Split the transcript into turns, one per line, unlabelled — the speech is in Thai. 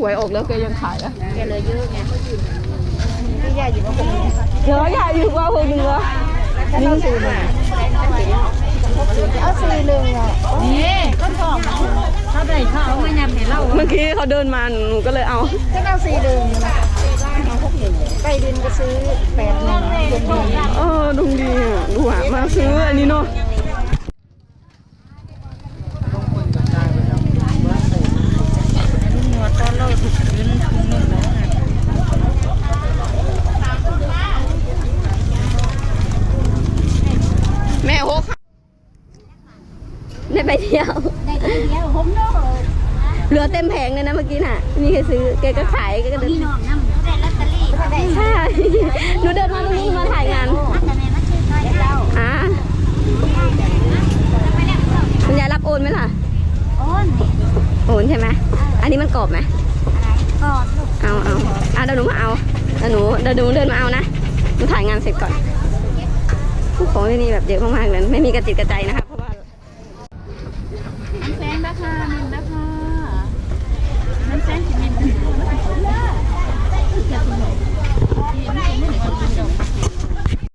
หวยออกแล้วแกยังขายอ่ะ
แกเลยเยอะไงที่ยาอยู่ว่าคนนี้
เดี๋ยวใหญ่อยู่ว่าคนหนึ่งเหรอนี่ก็ซื้อมา
เอา41อ่ะนี่ก็ทองเขาได้เขาเอาไม่ยำให้เรา
เมื่อกี้เขาเดินมาหนูก็เลยเอา
ก็เอา41เอา61ไปดินก็ซื้อ81
เออดุงดีอ่ะดูอ่ะมาซื้ออันนี้เนาะแม่โฮกได้ไปเที่ยว
ผมเนาะ
เหลือเต็มแผงเลยนะเมื่อกี้น่ะมีใครซื้อแกก็ขายแกก็เดิน
พี่น้องนำได้ลอตเตอรี่ได้
ใช่หนูเดินมาตรงนี้มาถ่ายงาน
แต่แม่มาซื้อน้อยเจ้า
คุณยายรับโอนไหมล่ะ
โอนนี่
โอนใช่ไหมอันนี้มันกรอบไหม
อะไรกอดลูก
เอาเดี๋ยวหนูมาเอาเดี๋ยวหนูเดินมาเอานะหนูถ่ายงานเสร็จก่อนของที่นี่แบบเยอะมากๆเลยไม่มีกระจิตกระใจนะคะ